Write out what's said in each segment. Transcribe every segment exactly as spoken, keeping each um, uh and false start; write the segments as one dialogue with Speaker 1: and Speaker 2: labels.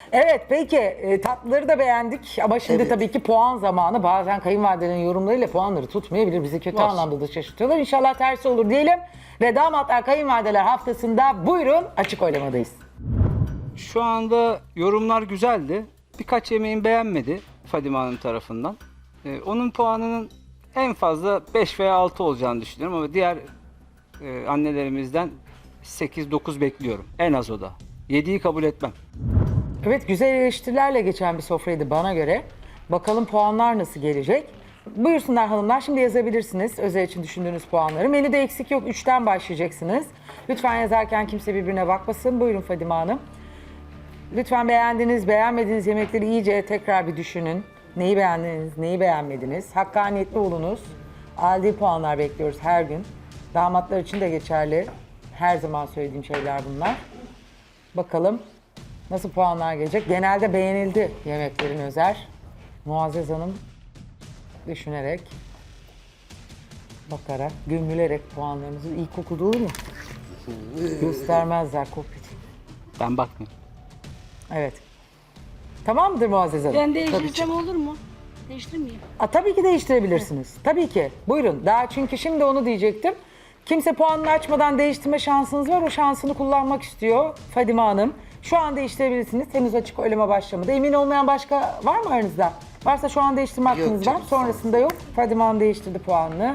Speaker 1: Evet peki e, tatlıları da beğendik ama şimdi
Speaker 2: Evet.
Speaker 1: tabii ki puan zamanı. Bazen kayınvalidelerin yorumlarıyla puanları tutmayabilir. Bizi kötü
Speaker 3: Var.
Speaker 1: anlamda da şaşırtıyorlar. İnşallah tersi olur diyelim. Ve damatlar kayınvalideler haftasında buyurun açık oylamadayız.
Speaker 3: Şu anda yorumlar güzeldi. Birkaç yemeğin beğenmedi Fadime Hanım tarafından. Ee, onun puanının en fazla beş veya altı olacağını düşünüyorum ama diğer e, annelerimizden sekiz dokuz bekliyorum. En az o da. yediyi kabul etmem.
Speaker 1: Evet güzel eleştirilerle geçen bir sofraydı bana göre. Bakalım puanlar nasıl gelecek? Buyursunlar hanımlar şimdi yazabilirsiniz özel için düşündüğünüz puanları. Menüde eksik yok üçten başlayacaksınız. Lütfen yazarken kimse birbirine bakmasın. Buyurun Fadime Hanım. Lütfen beğendiğiniz, beğenmediğiniz yemekleri iyice tekrar bir düşünün. Neyi beğendiniz, neyi beğenmediniz? Hakkaniyetli olunuz. Adil puanlar bekliyoruz her gün. Damatlar için de geçerli. Her zaman söylediğim şeyler bunlar. Bakalım nasıl puanlar gelecek. Genelde beğenildi yemeklerin Özer. Muazzez Hanım düşünerek, bakarak, gömülerek puanlarınızı iyi kokudu olur mu? Göstermezler kopya.
Speaker 3: Ben bakmıyorum.
Speaker 1: Evet. Tamam mıdır Muazzez Hanım?
Speaker 4: Ben değiştirsem olur mu? Değiştirmeyeyim.
Speaker 1: Aa, tabii ki değiştirebilirsiniz. Tabii ki. Buyurun. Daha çünkü şimdi onu diyecektim. Kimse puanını açmadan değiştirme şansınız var. O şansını kullanmak istiyor Fadime Hanım. Şu an değiştirebilirsiniz. Henüz açık oylama başlamadı. Emin olmayan başka var mı aranızda? Varsa şu an değiştirme hakkınız var.
Speaker 2: canım,
Speaker 1: Sonrasında yok. Fadime Hanım değiştirdi puanını.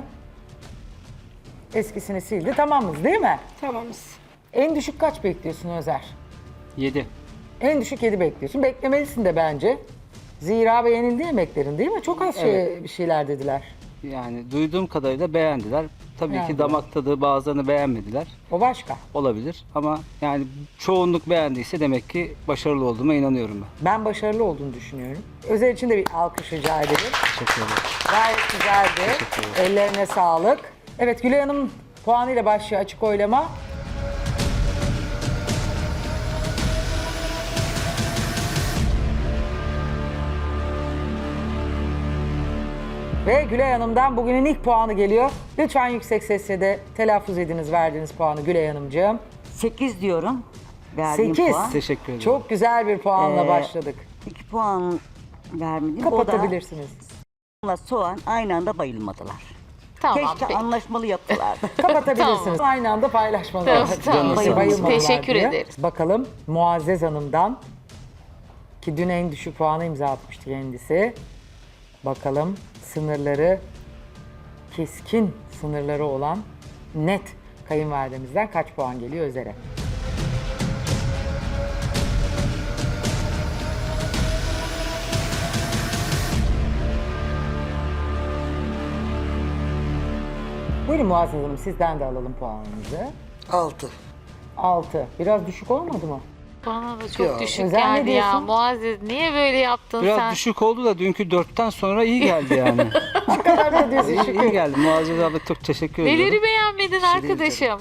Speaker 1: Eskisini sildi. Tamamız değil mi?
Speaker 4: Tamamız.
Speaker 1: En düşük kaç bekliyorsun Özer?
Speaker 3: yedi.
Speaker 1: En düşük yedi bekliyorsun. Beklemelisin de bence. Zira beğenildi yemeklerin değil mi? Çok az şey, bir şeyler dediler.
Speaker 3: Yani duyduğum kadarıyla beğendiler. Tabii
Speaker 1: Yani.
Speaker 3: ki damak tadı bazılarını beğenmediler.
Speaker 1: O başka.
Speaker 3: Olabilir ama yani çoğunluk beğendiyse demek ki başarılı olduğuma inanıyorum ben.
Speaker 1: Ben başarılı olduğunu düşünüyorum. Özel için de bir alkış rica ederim.
Speaker 3: Teşekkür ederim.
Speaker 1: Gayet güzeldi. Ellerine sağlık. Evet Gülay Hanım puanıyla başlıyor açık oylama. Ve Gülay Hanım'dan bugünün ilk puanı geliyor. Lütfen yüksek sesle de telaffuz ediniz verdiğiniz puanı Gülay Hanımcığım.
Speaker 5: sekiz diyorum. Verdiğim
Speaker 1: sekiz.
Speaker 5: puan.
Speaker 3: Teşekkür ederim.
Speaker 1: Çok güzel bir puanla
Speaker 5: Ee,
Speaker 1: başladık.
Speaker 5: iki puan vermedim.
Speaker 1: Kapatabilirsiniz.
Speaker 5: O da soğan aynı anda bayılmadılar.
Speaker 6: Tamam.
Speaker 5: Keşke
Speaker 6: peki.
Speaker 5: anlaşmalı yaptılardı.
Speaker 1: Kapatabilirsiniz. Aynı anda paylaşmalar.
Speaker 6: Tamam, tamam.
Speaker 1: Bayılmadılar
Speaker 6: Bayılmadılar. Teşekkür
Speaker 1: diye.
Speaker 6: ederiz.
Speaker 1: Bakalım Muazzez Hanım'dan ki dün en düşük puanı imza atmıştı kendisi. Bakalım sınırları keskin sınırları olan net kayınvalidemizden kaç puan geliyor Özer'e? Buyurun Muazzez Hanım sizden de alalım puanınızı.
Speaker 2: Altı.
Speaker 1: altı. Biraz düşük olmadı mı?
Speaker 6: Bana da çok
Speaker 2: Ya.
Speaker 6: düşük
Speaker 1: Özel ne
Speaker 6: geldi ya.
Speaker 1: diyorsun?
Speaker 6: Muazzez niye böyle yaptın
Speaker 3: Biraz
Speaker 6: sen?
Speaker 3: düşük oldu da dünkü dörtten sonra iyi geldi yani.
Speaker 1: Ne kadar da diyorsun
Speaker 3: iyi, iyi
Speaker 1: şükür.
Speaker 3: geldi. Muazzez abla çok teşekkür ediyorum.
Speaker 6: Neleri beğenmedin arkadaşım?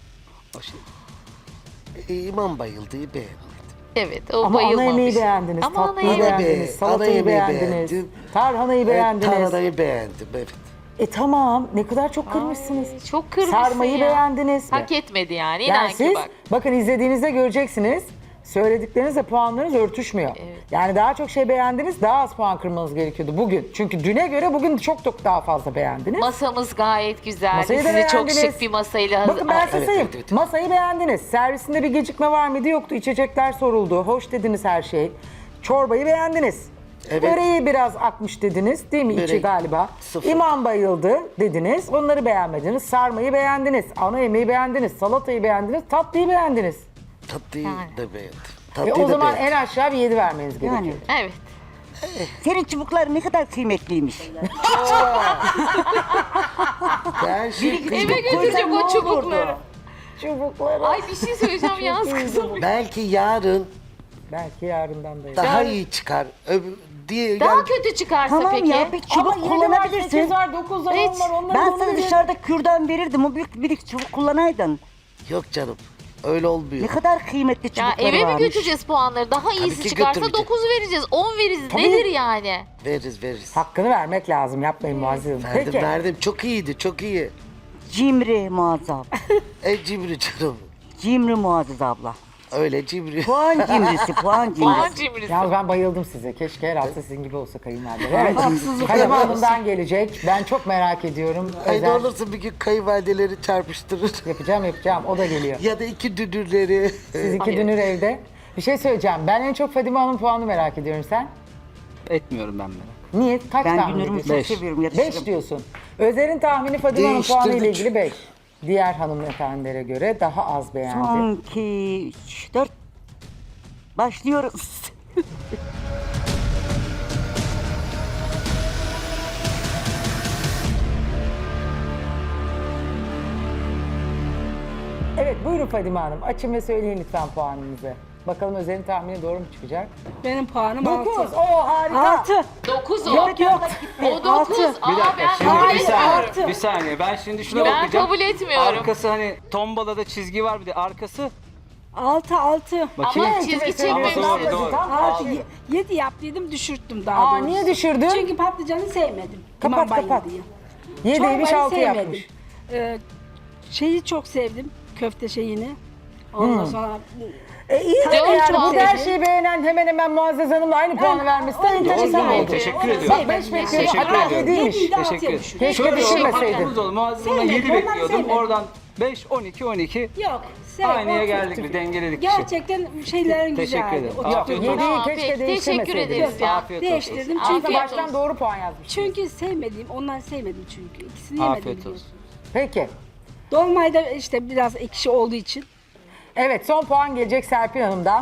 Speaker 2: E, İmam bayıldığı beğenmedim.
Speaker 6: Evet o
Speaker 1: Ama ana
Speaker 6: bayılmamış.
Speaker 1: yemeği beğendiniz,
Speaker 6: Ama ana
Speaker 1: tatlıyı
Speaker 6: yemeği-
Speaker 1: beğendiniz,
Speaker 2: Ana
Speaker 1: salatayı
Speaker 2: yemeği
Speaker 1: beğendiniz,
Speaker 2: beğendim.
Speaker 1: tarhanayı beğendiniz.
Speaker 2: Evet, tarhanayı beğendim evet.
Speaker 1: E tamam, ne kadar çok kırmışsınız.
Speaker 6: Ay, çok kırmışsın
Speaker 1: Sarmayı
Speaker 6: ya.
Speaker 1: beğendiniz.
Speaker 6: Hak etmedi yani. İnan
Speaker 1: Yani
Speaker 6: ki
Speaker 1: siz,
Speaker 6: bak.
Speaker 1: bakın izlediğinizde göreceksiniz. Söylediklerinizle puanlarınız örtüşmüyor.
Speaker 6: Evet.
Speaker 1: Yani daha çok şey beğendiniz, daha az puan kırmanız gerekiyordu bugün. Çünkü düne göre bugün çok çok daha fazla beğendiniz.
Speaker 6: Masamız gayet güzeldi.
Speaker 1: Masayı da
Speaker 6: Sizi çok
Speaker 1: beğendiniz.
Speaker 6: şık bir masayla hazır.
Speaker 1: Bakın ben size
Speaker 2: evet,
Speaker 1: sayayım.
Speaker 2: evet, evet.
Speaker 1: Masayı beğendiniz. Servisinde bir gecikme var mıydı? Yoktu. İçecekler soruldu. Hoş dediniz her şey. Çorbayı beğendiniz.
Speaker 2: Evet.
Speaker 1: Böreği biraz akmış dediniz. Değil mi içi
Speaker 2: Börek
Speaker 1: galiba?
Speaker 2: sıfır.
Speaker 1: İmam bayıldı dediniz. Onları beğenmediniz. Sarmayı beğendiniz. Ana yemeği beğendiniz. Salatayı beğendiniz. Tatlıyı beğendiniz.
Speaker 2: Tatlıyı
Speaker 6: Yani.
Speaker 2: da beğendim.
Speaker 1: E
Speaker 2: Tatlıyı
Speaker 1: o
Speaker 2: da
Speaker 1: zaman
Speaker 2: beğendim.
Speaker 1: en aşağı bir yedi vermeniz gerekiyor.
Speaker 5: Yani
Speaker 6: Evet.
Speaker 5: senin çubukların ne kadar kıymetliymiş.
Speaker 2: Gerçekten.
Speaker 6: Eve götürecek o çubukları.
Speaker 1: Çubukları.
Speaker 6: Ay bir şey söyleyeceğim yalnız kızım.
Speaker 2: Belki yarın
Speaker 1: Belki yarından da.
Speaker 2: daha iyi çıkar. Öbür, diye,
Speaker 6: Daha
Speaker 2: yani-
Speaker 6: kötü çıkarsa
Speaker 5: Tamam
Speaker 6: peki?
Speaker 5: ya bir çubuk
Speaker 1: sekiz
Speaker 5: kullanabilirsin.
Speaker 1: var, dokuz var,
Speaker 6: Hiç.
Speaker 1: on var. Onları
Speaker 5: Ben
Speaker 1: onu
Speaker 5: sana
Speaker 1: verin.
Speaker 5: dışarıda kürdan verirdim. O büyük bir çubuk kullanaydın.
Speaker 2: Yok canım. Öyle olmuyor.
Speaker 5: Ne kadar kıymetli
Speaker 6: Ya
Speaker 5: çubukları
Speaker 6: eve mi
Speaker 5: varmış.
Speaker 6: götüreceğiz puanları? Daha iyisi
Speaker 2: ki
Speaker 6: çıkarsa
Speaker 2: götüreceğiz.
Speaker 6: dokuz vereceğiz, on veririz.
Speaker 1: Tabii.
Speaker 6: Nedir yani?
Speaker 2: Veririz veririz.
Speaker 1: Hakkını vermek lazım. Yapmayın Muazzez Hanım.
Speaker 2: Verdim
Speaker 1: Peki.
Speaker 2: verdim. Çok iyiydi çok iyi.
Speaker 5: Cimri Muazzez abla.
Speaker 2: E cimri canım.
Speaker 5: Cimri Muazzez abla.
Speaker 2: Öyle cimri.
Speaker 5: Puan cimrisi, puan
Speaker 6: Puan
Speaker 5: cimrisi.
Speaker 6: cimrisi.
Speaker 1: Ya ben bayıldım size. Keşke herhalde sizin gibi olsa kayınvalideler. Evet.
Speaker 5: Haksızlık
Speaker 1: Fadime
Speaker 5: yapıyorsun.
Speaker 1: Hanım'dan gelecek. Ben çok merak ediyorum.
Speaker 2: Ay ne
Speaker 1: Özel-
Speaker 2: olursa bir gün kayınvalideleri çarpıştırır.
Speaker 1: Yapacağım yapacağım. O da geliyor.
Speaker 2: Ya da iki dünürleri.
Speaker 1: Siz iki dünür evde. Bir şey söyleyeceğim. Ben en çok Fadime Hanım puanını merak ediyorum. Sen?
Speaker 3: Etmiyorum ben merak.
Speaker 1: Niye? Kaç
Speaker 5: Ben
Speaker 1: tahmin
Speaker 5: dünürümü
Speaker 1: ediyorsun?
Speaker 5: çok
Speaker 3: Beş.
Speaker 5: seviyorum. Yatışırım.
Speaker 1: Beş diyorsun. Özer'in tahmini Fadime Hanım puanı ile
Speaker 2: Değiştirdik.
Speaker 1: ilgili beş. Diğer hanımefendilere göre daha az beğendi.
Speaker 5: Son iki, üç, dört. Başlıyoruz.
Speaker 1: Evet buyurun Fadime Hanım. Açın ve söyleyin lütfen puanınızı. Bakalım Özer'in tahmini doğru mu çıkacak?
Speaker 4: Benim puanım
Speaker 1: dokuz.
Speaker 4: altı.
Speaker 1: Oo harika.
Speaker 4: Altı.
Speaker 6: dokuz o.
Speaker 1: Yok yok.
Speaker 6: O dokuz. Aa
Speaker 3: Bir dakika
Speaker 6: ben
Speaker 3: şimdi
Speaker 6: kabul
Speaker 3: bir
Speaker 6: etmiyorum.
Speaker 3: saniye, bir saniye. Ben şimdi şuna
Speaker 6: Ben
Speaker 3: bakacağım.
Speaker 6: kabul etmiyorum.
Speaker 3: Arkası hani tombalada çizgi var bir de arkası.
Speaker 4: Altı altı.
Speaker 3: Bakayım.
Speaker 6: Ama çizgi
Speaker 3: Ama
Speaker 6: çekmemişsin.
Speaker 3: doğru, doğru.
Speaker 1: Tam
Speaker 4: Altı.
Speaker 1: altı.
Speaker 4: Ye- Yedi yaptıydım düşürttüm daha
Speaker 1: Aa
Speaker 4: doğrusu.
Speaker 1: niye düşürdün?
Speaker 4: Çünkü patlıcanı sevmedim.
Speaker 1: Kapat,
Speaker 4: İmam Bayıldı
Speaker 1: kapat.
Speaker 4: diye.
Speaker 1: Yediymiş
Speaker 4: Çorbayı
Speaker 1: altı
Speaker 4: sevmedim.
Speaker 1: yapmış.
Speaker 4: Ee, şeyi çok sevdim. Köfte şeyini. Ondan sonra
Speaker 1: E iyi
Speaker 6: Dört
Speaker 1: tabii yani
Speaker 6: puan
Speaker 1: bu her
Speaker 4: dedi.
Speaker 1: şeyi beğenen hemen hemen Muazzez Hanım'la aynı puanı vermesi de
Speaker 4: onu
Speaker 1: enteresan
Speaker 3: doğru,
Speaker 1: oldu.
Speaker 3: teşekkür
Speaker 4: onu
Speaker 3: ediyorum.
Speaker 1: Bak
Speaker 4: sevmedim.
Speaker 1: beş bekliyordum
Speaker 3: Teşekkür
Speaker 1: hatta
Speaker 3: ediyorum.
Speaker 1: yediymiş.
Speaker 4: Yediyi de altıya
Speaker 3: Teşekkür ederim.
Speaker 4: düşürdüm.
Speaker 1: Keşke
Speaker 3: Şöyle
Speaker 1: düşürmeseydin.
Speaker 3: hakkımız oldu. Muazzez'den
Speaker 4: Sevmedim,
Speaker 3: yedi
Speaker 4: ondan
Speaker 3: bekliyordum.
Speaker 4: sevmedim.
Speaker 3: Oradan beş, on iki, on iki.
Speaker 4: Yok. Sev,
Speaker 3: Aynıya
Speaker 4: o
Speaker 3: geldik,
Speaker 4: kötü.
Speaker 3: bir dengeledik işi.
Speaker 4: Gerçekten şeylerin
Speaker 3: Teşekkür
Speaker 4: güzeldi.
Speaker 3: ederim.
Speaker 4: O
Speaker 3: Afiyet
Speaker 4: tuttu.
Speaker 3: olsun.
Speaker 1: Yediyi
Speaker 6: Tamam,
Speaker 1: keşke
Speaker 6: peki, teşekkür
Speaker 1: değiştirmeseydiniz.
Speaker 6: ederiz ya.
Speaker 3: Afiyet olsun.
Speaker 4: Değiştirdim
Speaker 1: Çünkü
Speaker 4: çünkü
Speaker 1: baştan doğru puan yazmış.
Speaker 4: çünkü sevmediğim, ondan sevmedim çünkü. İkisini yemedim
Speaker 3: Afiyet olsun.
Speaker 4: biliyorsun.
Speaker 1: Peki.
Speaker 4: Dolmayı da işte biraz ekşi olduğu için.
Speaker 1: Evet son puan gelecek Serpil Hanım'dan.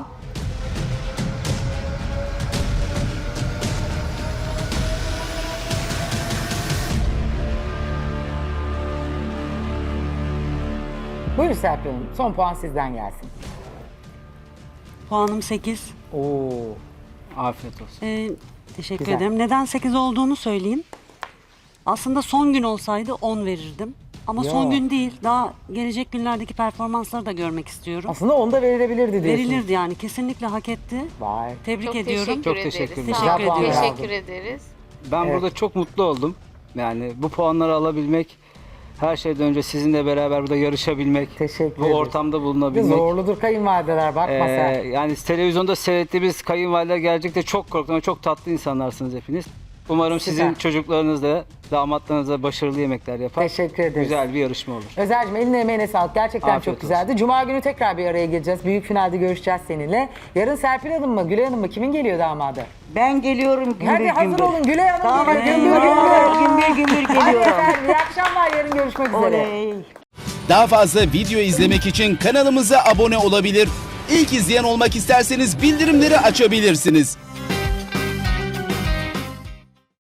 Speaker 1: Buyurun Serpil Hanım. Son puan sizden gelsin.
Speaker 7: Puanım sekiz.
Speaker 1: Oo.
Speaker 3: Afiyet olsun.
Speaker 7: Ee, teşekkür
Speaker 1: Güzel.
Speaker 7: ederim. Neden sekiz olduğunu söyleyeyim. Aslında son gün olsaydı on verirdim. Ama
Speaker 1: Ya.
Speaker 7: son gün değil. Daha gelecek günlerdeki performansları da görmek istiyorum.
Speaker 1: Aslında onda verilebilirdi diyorsunuz.
Speaker 7: Verilirdi yani. Kesinlikle hak etti.
Speaker 1: Vay.
Speaker 7: Tebrik
Speaker 6: Çok
Speaker 7: ediyorum.
Speaker 6: teşekkür
Speaker 3: Çok
Speaker 6: ederiz.
Speaker 3: teşekkür ederim.
Speaker 6: Sağ
Speaker 7: Teşekkür
Speaker 6: olun.
Speaker 1: ediyorum.
Speaker 6: Teşekkür ederiz.
Speaker 3: Ben
Speaker 1: Evet.
Speaker 3: burada çok mutlu oldum. Yani bu puanları alabilmek, her şeyden önce sizinle beraber burada yarışabilmek,
Speaker 1: Teşekkür
Speaker 3: bu
Speaker 1: ederiz.
Speaker 3: ortamda bulunabilmek.
Speaker 1: Zorludur kayınvalideler bakma
Speaker 3: Ee,
Speaker 1: sen.
Speaker 3: yani televizyonda seyrettiğimiz kayınvalideler gerçekten çok korktum. ama Çok tatlı insanlarsınız hepiniz. Umarım
Speaker 1: Süper.
Speaker 3: sizin çocuklarınız da, damatlarınız da başarılı yemekler yapar.
Speaker 1: Teşekkür ederiz.
Speaker 3: Güzel bir yarışma olur.
Speaker 1: Özer'cim eline emeğine sağlık. Gerçekten
Speaker 3: Afiyet
Speaker 1: çok
Speaker 3: olsun.
Speaker 1: güzeldi. Cuma günü tekrar bir araya geleceğiz. Büyük finalde görüşeceğiz seninle. Yarın Serpil Hanım mı, Gülay Hanım mı? Kimin geliyor damadı?
Speaker 5: Ben geliyorum gümbür
Speaker 1: Hadi hazır
Speaker 5: gümbür.
Speaker 1: olun. Gülay Hanım
Speaker 5: Tamam,
Speaker 1: geliyor. Gümbür
Speaker 5: eyvah,
Speaker 1: gümbür.
Speaker 5: gümbür gümbür
Speaker 1: Hadi
Speaker 5: geliyorum.
Speaker 1: efendim. İyi akşamlar. Yarın görüşmek üzere.
Speaker 5: Oley.
Speaker 8: Daha fazla video izlemek için kanalımıza abone olabilir. İlk izleyen olmak isterseniz bildirimleri açabilirsiniz.